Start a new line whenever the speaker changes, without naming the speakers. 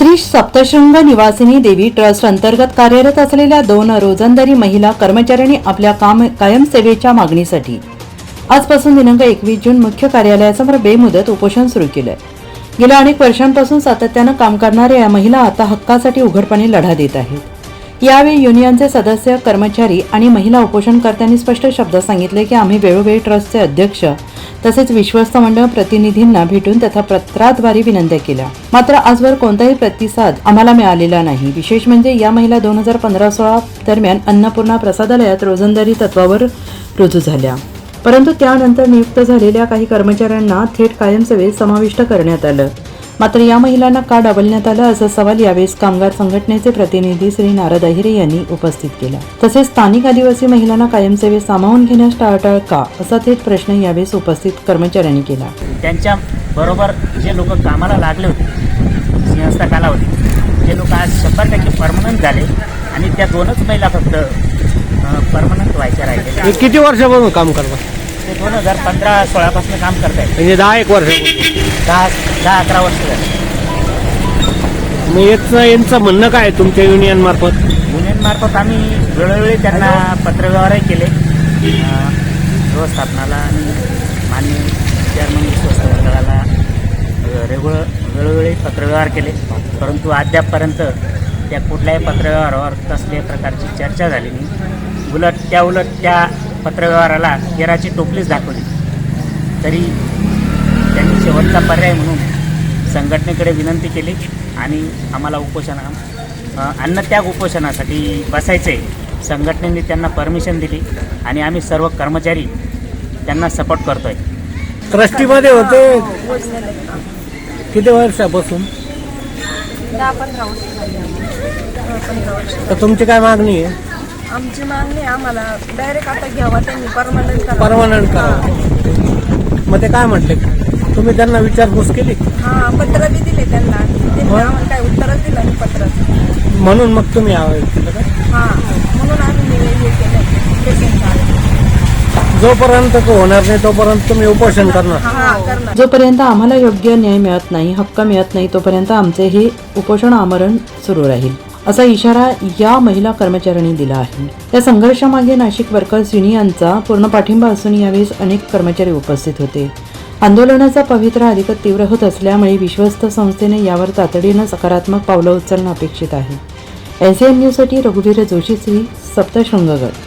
श्री सप्तशृंग निवासिनी देवी ट्रस्ट अंतर्गत कार्यरत असलेल्या 2 रोजंदारी महिला कर्मचाऱ्यांनी आपल्या कायम सेवेच्या मागणीसाठी आजपासून दिनांक 21 जून मुख्य कार्यालयासमोर बेमुदत उपोषण सुरू केलं. गेल्या अनेक वर्षांपासून सातत्यानं काम करणाऱ्या या महिला आता हक्कासाठी उघडपणे लढा देत आहेत. यावेळी युनियनचे सदस्य, कर्मचारी आणि महिला उपोषणकर्त्यांनी स्पष्ट शब्दात सांगितले की आम्ही वेळोवेळी ट्रस्टचे अध्यक्ष तसेच विश्वस्त मंडळ प्रतिनिधींना भेटून तथा पत्राद्वारे विनंत्या केल्या, मात्र आजवर कोणताही प्रतिसाद आम्हाला मिळालेला नाही. विशेष म्हणजे या महिला 2015-16 दरम्यान अन्नपूर्णा प्रसादालयात रोजंदारी तत्वावर रुजू झाल्या, परंतु त्यानंतर नियुक्त झालेल्या काही कर्मचाऱ्यांना थेट कायमसेवेत समाविष्ट करण्यात आलं. मात्र या महिलांना का डावलण्यात आलं असा सवाल यावेळी कामगार संघटनेचे प्रतिनिधी श्री नारद अहिरे यांनी उपस्थित केला. तसेच स्थानिक आदिवासी महिलांना कायमसेवेत सामावून घेण्यास टाळाटाळ का असा थेट प्रश्न यावेळी उपस्थित कर्मचाऱ्यांनी केला.
त्यांच्या बरोबर जे लोक कामाला लागले होते, सिंहस्था कालावधी, जे लोक आज 100% परमनंट झाले आणि त्या 2च महिला फक्त परमनंट व्हायच्या राहिले.
किती वर्षापासून काम करतात?
ते 2015-16 पासून काम करतायत.
म्हणजे 10-1 वर्ष,
10-11 वर्ष झाले.
मग यांचं म्हणणं काय आहे तुमच्या युनियन मार्फत?
युनियन मार्फत आम्ही वेळोवेळी त्यांना पत्रव्यवहारही केले, व्यवस्थापनाला आणि माननीय चेअरमन विश्वस्त मंडळाला वेळोवेळी पत्रव्यवहार केले, परंतु अद्यापपर्यंत त्या कुठल्याही पत्रव्यवहारावर कसल्याही प्रकारची चर्चा झाली नाही. उलट त्या पत्रव्यवहाराला केराची टोपलीच दाखवली. तरी त्यांनी शेवटचा पर्याय म्हणून संघटनेकडे विनंती केली आणि आम्हाला अन्नत्याग उपोषणासाठी बसायचं आहे. संघटनेने त्यांना परमिशन दिली आणि आम्ही सर्व कर्मचारी त्यांना सपोर्ट करतोय.
ट्रस्टीमध्ये होते किती वर्षापासून?
10-15 वर्ष.
तर तुमची काय मागणी आहे?
आमची मागणी आम्हाला डायरेक्ट आता घ्यावा, त्यांनी
परमनंट करा. मग ते काय म्हटले? तुम्ही त्यांना विचारपूस केली?
हां, पत्र बी दिले त्यांना आम्हाला काय उत्तरच दिलं नाही पत्राचं.
म्हणून मग तुम्ही केलं का?
हां, म्हणून आम्ही हे केलं.
जोपर्यंत होणार नाही तोपर्यंत तुम्ही उपोषण करणार?
हां, करणार.
जोपर्यंत आम्हाला योग्य न्याय मिळत नाही, हक्क मिळत नाही, तोपर्यंत आमचे हे उपोषण आमरण सुरू राहील असा इशारा या महिला कर्मचाऱ्यांनी दिला आहे. या संघर्षामागे नाशिक वर्कर्स युनियनचा पूर्ण पाठिंबा असून यावेळी अनेक कर्मचारी उपस्थित होते. आंदोलनाचा पवित्रा अधिक तीव्र होत असल्यामुळे विश्वस्त संस्थेने यावर तातडीनं सकारात्मक पावलं उचलणं अपेक्षित आहे. SAN न्यूजसाठी रघुवीर जोशी, श्री सप्तशृंगगड.